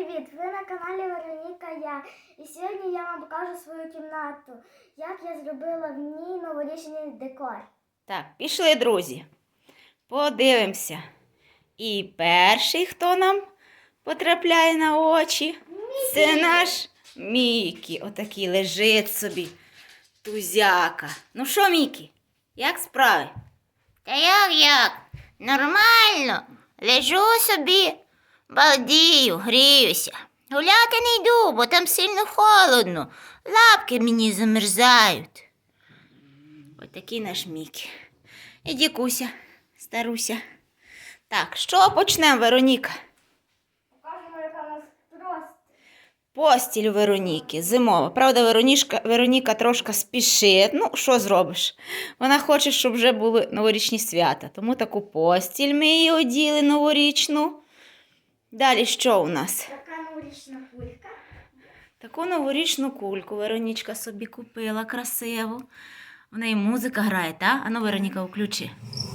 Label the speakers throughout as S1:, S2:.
S1: привіт! Ви на каналі Вероніка Я. І сьогодні я вам покажу свою кімнату, як я зробила в ній новорічний декор.
S2: Так, пішли, друзі. Подивимося. І перший, хто нам потрапляє на очі, це наш Мікі. Отакий лежить собі. Тузяка. Ну що, Мікі, як справи?
S3: Та як? Нормально. Лежу собі, балдію, гріюся. Гуляти не йду, бо там сильно холодно. Лапки мені замерзають.
S2: Ось такий наш Мікі. І дікуся, старуся. Так, що почнемо, Вероніка?
S1: Покажемо, яка у нас просто.
S2: Постіль у Вероніки, зимова. Правда, Вероніка трошки спішить. Ну, що зробиш? Вона хоче, щоб вже були новорічні свята. Тому таку постіль ми її оділи новорічну. Далі що у нас?
S1: Така новорічна кулька.
S2: Таку новорічну кульку Веронічка собі купила красиву. В неї музика грає, так? Ану, Вероніка, включи.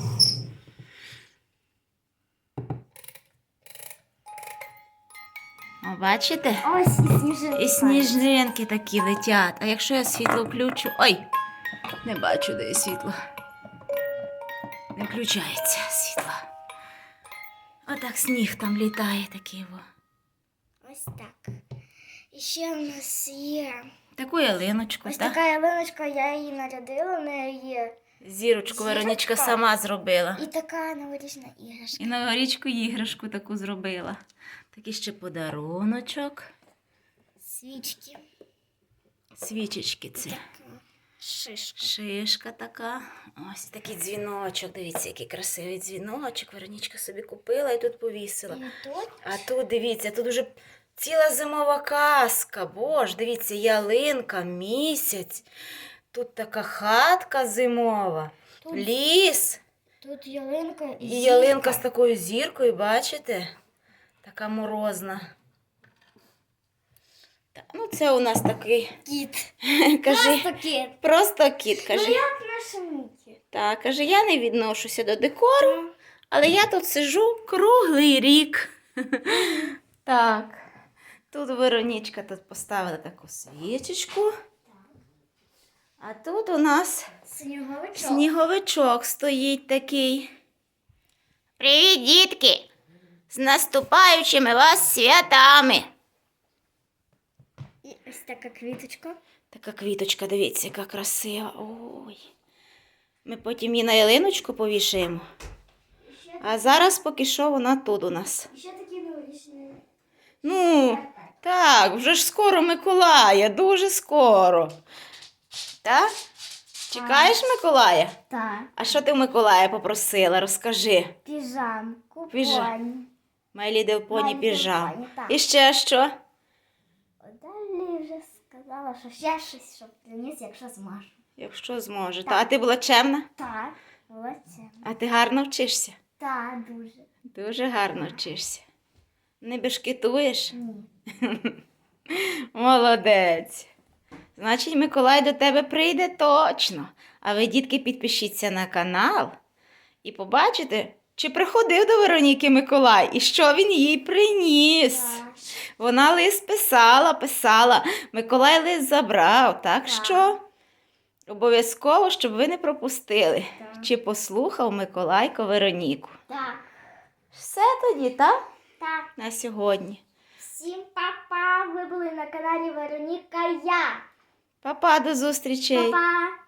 S2: О, бачите?
S1: Ось і сніжинки.
S2: І сніжинки такі летять. А якщо я світло включу... Ой, не бачу, де є світло. Не включається світло. Отак сніг там літає такий.
S1: Ось так. І ще у нас є
S2: Таку ялиночку,
S1: ось
S2: так?
S1: така ялиночка, я її нарядила, в неї є.
S2: Зірочку Веронічка
S1: Зірочка.
S2: сама зробила.
S1: І така новорічна іграшка.
S2: І новорічку іграшку таку зробила. Такий ще подаруночок.
S1: Свічки.
S2: Свічечки ці.
S1: Шишка.
S2: Шишка така. Ось такий дзвіночок. Дивіться, який красивий дзвіночок. Веронічка собі купила і тут повісила.
S1: І тут
S2: А тут, дивіться, тут уже ціла зимова казка. Боже, дивіться, ялинка, місяць. Тут така хатка зимова.
S1: Тут-
S2: Ліс.
S1: Тут ялинка
S2: І ялинка з такою зіркою, бачите? Така морозна. Так, ну це у нас такий,
S1: кіт.
S2: кажи,
S1: Просто кіт.
S2: просто кіт, каже.
S1: Ну як наша Мікі.
S2: Так, каже, я не відношуся до декору, але я тут сижу круглий рік. Так, тут Веронічка тут поставила таку свічечку. А тут у нас
S1: Сніговичок.
S2: сніговичок стоїть такий.
S3: Привіт, дітки! З наступаючими вас святами!
S1: І ось така квіточка.
S2: Така квіточка, дивіться, яка красива. Ой. Ми потім її на ялиночку повішаємо. А зараз поки що вона тут у нас.
S1: І ще такі новорічні.
S2: Ну, так, вже ж скоро Миколая, дуже скоро. Так? Чекаєш Миколая?
S1: Так.
S2: А що ти в Миколая попросила? Розкажи.
S1: Піжамку,
S2: Піжам-
S1: поні.
S2: My Little Pony
S1: My Little
S2: піжам.
S1: Pony, так.
S2: І ще що?
S1: Далі вже сказала, що ще щось, щоб приніс, якщо зможу.
S2: Якщо зможе. А ти була чемна?
S1: Так, молодця.
S2: А ти гарно вчишся?
S1: Так, дуже.
S2: Дуже гарно вчишся. Не бешкетуєш?
S1: Ні.
S2: Молодець. Значить, Миколай до тебе прийде точно. А ви, дітки, підпишіться на канал і побачите, чи приходив до Вероніки Миколай і що він їй приніс.
S1: Так.
S2: Вона лист писала. Миколай лист забрав. Так
S1: Так.
S2: що обов'язково, щоб ви не пропустили,
S1: Так.
S2: чи послухав Миколайко Вероніку.
S1: Так.
S2: Все тоді, так?
S1: Так.
S2: На сьогодні.
S1: Всім па-па! Ви були на каналі Вероніка Я.
S2: Па-па, до зустрічей.
S1: Па-па!